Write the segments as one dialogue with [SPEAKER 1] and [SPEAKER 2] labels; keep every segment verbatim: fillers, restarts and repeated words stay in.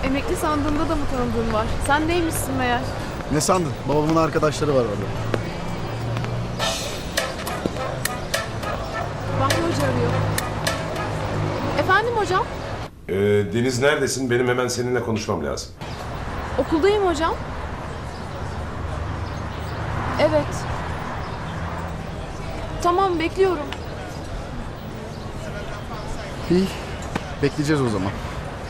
[SPEAKER 1] Emekli sandığında da mı tanıdığın var? Sen neymişsin meğer?
[SPEAKER 2] Ne sandın? Babamın arkadaşları var orada.
[SPEAKER 1] Bahri Hoca arıyor. Efendim hocam?
[SPEAKER 3] Ee, Deniz neredesin? Benim hemen seninle konuşmam lazım.
[SPEAKER 1] Okuldayım hocam. Evet. Tamam, bekliyorum.
[SPEAKER 2] İyi. Bekleyeceğiz o zaman.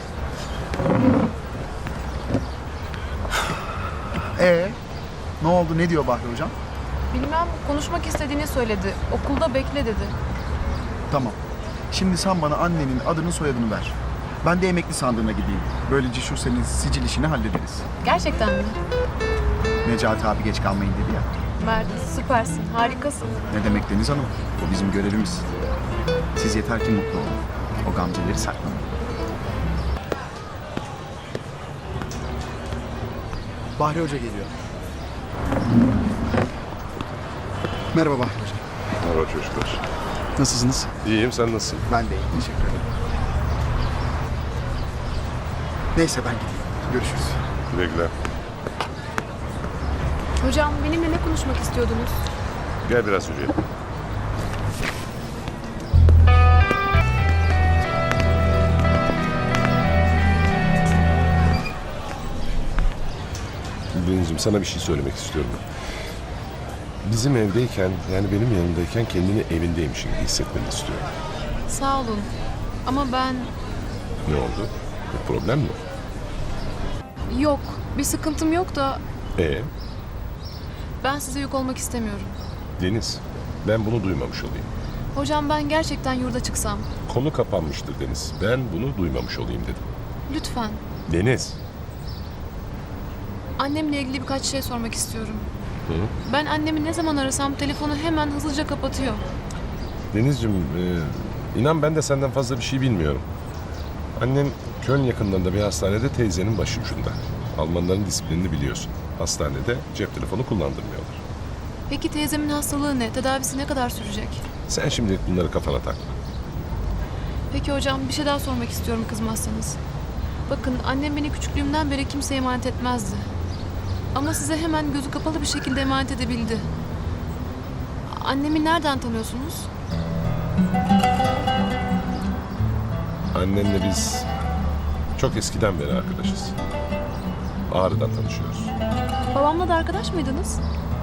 [SPEAKER 2] Ee, ne oldu? Ne diyor Bahri hocam?
[SPEAKER 1] Bilmem, konuşmak istediğini söyledi. Okulda bekle dedi.
[SPEAKER 2] Tamam. Şimdi sen bana annenin adını soyadını ver. Ben de emekli sandığına gideyim. Böylece şu senin sicil işini hallederiz.
[SPEAKER 1] Gerçekten mi?
[SPEAKER 2] Necati abi geç kalmayın dedi ya.
[SPEAKER 1] Mert, süpersin, harikasın.
[SPEAKER 2] Ne demek Deniz Hanım? O bizim görevimiz. Siz yeter ki mutlu olun. O gamzeleri saklamayın. Bahri Hoca geliyor. Merhaba Bahri Hoca.
[SPEAKER 3] Merhaba çocuklar.
[SPEAKER 2] Nasılsınız?
[SPEAKER 3] İyiyim, sen nasılsın?
[SPEAKER 2] Ben de iyiyim. Teşekkür ederim. Neyse ben gideyim. Görüşürüz.
[SPEAKER 3] Güle güle.
[SPEAKER 1] Hocam, benimle ne konuşmak istiyordunuz?
[SPEAKER 3] Gel biraz yürüyelim. Denizciğim, sana bir şey söylemek istiyorum. Bizim evdeyken, yani benim yanımdayken kendini evindeymişsin gibi hissetmeni istiyorum.
[SPEAKER 1] Sağ olun. Ama ben...
[SPEAKER 3] Ne oldu? Bir problem mi?
[SPEAKER 1] Yok, bir sıkıntım yok da
[SPEAKER 3] Ee,
[SPEAKER 1] ben size yük olmak istemiyorum.
[SPEAKER 3] Deniz, ben bunu duymamış olayım.
[SPEAKER 1] Hocam, ben gerçekten yurda çıksam.
[SPEAKER 3] Konu kapanmıştır Deniz. Ben bunu duymamış olayım dedim.
[SPEAKER 1] Lütfen.
[SPEAKER 3] Deniz.
[SPEAKER 1] Annemle ilgili birkaç şey sormak istiyorum.
[SPEAKER 3] Hı?
[SPEAKER 1] Ben annemi ne zaman arasam telefonu hemen hızlıca kapatıyor.
[SPEAKER 3] Denizciğim, e, inan ben de senden fazla bir şey bilmiyorum. Annem Köln yakınlarında bir hastanede teyzenin başucunda. Almanların disiplinini biliyorsun. Hastanede cep telefonu kullandırmıyorlar.
[SPEAKER 1] Peki teyzemin hastalığı ne? Tedavisi ne kadar sürecek?
[SPEAKER 3] Sen şimdilik bunları kafana takma.
[SPEAKER 1] Peki hocam, bir şey daha sormak istiyorum kızmazsanız. Bakın, annem beni küçüklüğümden beri kimseye emanet etmezdi. Ama size hemen gözü kapalı bir şekilde emanet edebildi. Annemi nereden tanıyorsunuz?
[SPEAKER 3] Annenle biz çok eskiden beri arkadaşız. Ağrı'dan tanışıyoruz.
[SPEAKER 1] Babamla da arkadaş mıydınız?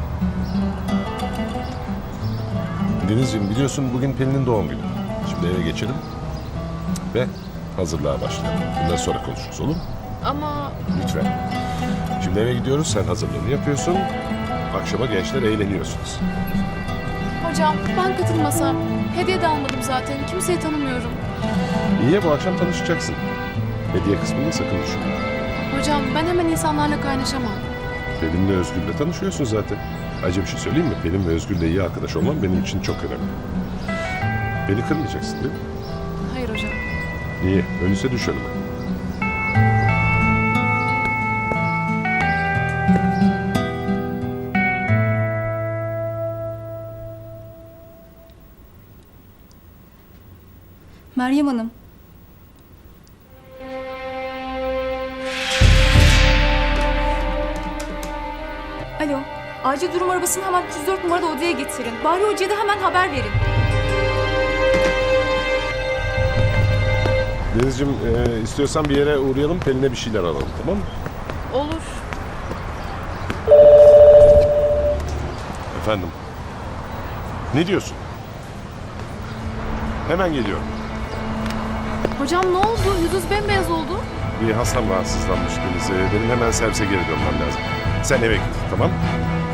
[SPEAKER 3] Denizciğim, biliyorsun bugün Pelin'in doğum günü. Şimdi eve geçelim ve hazırlığa başlayalım. Bundan sonra konuşuruz, olur mu?
[SPEAKER 1] Ama
[SPEAKER 3] Lütfen. Şimdi eve gidiyoruz, sen hazırlığını yapıyorsun. Akşama gençler eğleniyorsunuz.
[SPEAKER 1] hocam, ben katılmasam. Hediye de almadım zaten. Kimseyi tanımıyorum.
[SPEAKER 3] İyi ya, bu akşam tanışacaksın. Hediye kısmını sakın düşünme.
[SPEAKER 1] Hocam, ben hemen insanlarla kaynaşamam.
[SPEAKER 3] Pelin'le Özgür'le tanışıyorsun zaten. Ayrıca bir şey söyleyeyim mi? Pelin ve Özgür'le iyi arkadaş olman benim için çok önemli. Beni kırmayacaksın değil mi?
[SPEAKER 1] Hayır hocam.
[SPEAKER 3] İyi, öyleyse düş önüme.
[SPEAKER 4] Meryem Hanım. Alo. Acil durum arabasını hemen üç yüz dört numarada odaya getirin. Bahri Hoca'ya da hemen haber verin.
[SPEAKER 3] Denizciğim, e, istiyorsan bir yere uğrayalım, Pelin'e bir şeyler alalım, tamam mı?
[SPEAKER 1] Olur.
[SPEAKER 3] Efendim? Ne diyorsun? Hemen geliyorum.
[SPEAKER 1] Hocam ne oldu? Yüzünüz bembeyaz oldu.
[SPEAKER 3] Bir hastam rahatsızlanmış Deniz. E, Benim hemen servise geri dönmem lazım. Sen eve git, tamam mı?